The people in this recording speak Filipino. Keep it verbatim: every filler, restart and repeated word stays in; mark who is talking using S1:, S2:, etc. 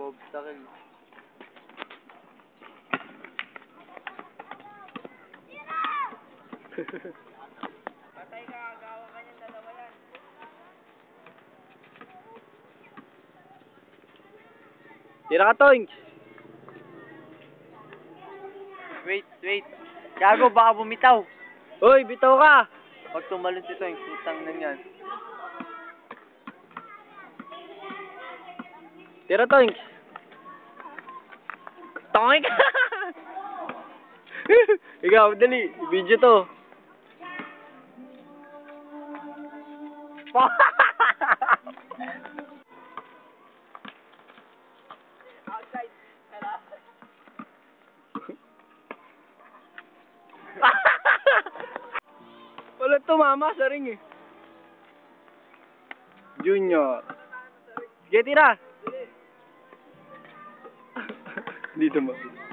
S1: obstacle.
S2: Patay ka, agawa ka niyang dalawa yan.
S1: Tira ka, Toings! Wait, wait. Gago, baka bumitaw. Hoy, bitaw ka! Pag tumalon si Toings, putang na yan. Tira, Toings! Toings! Ikaw, dali. Video to.
S2: Outside. Hello?
S1: Wala tumama sa ring eh. Junior. Sige, tira. Dito mo.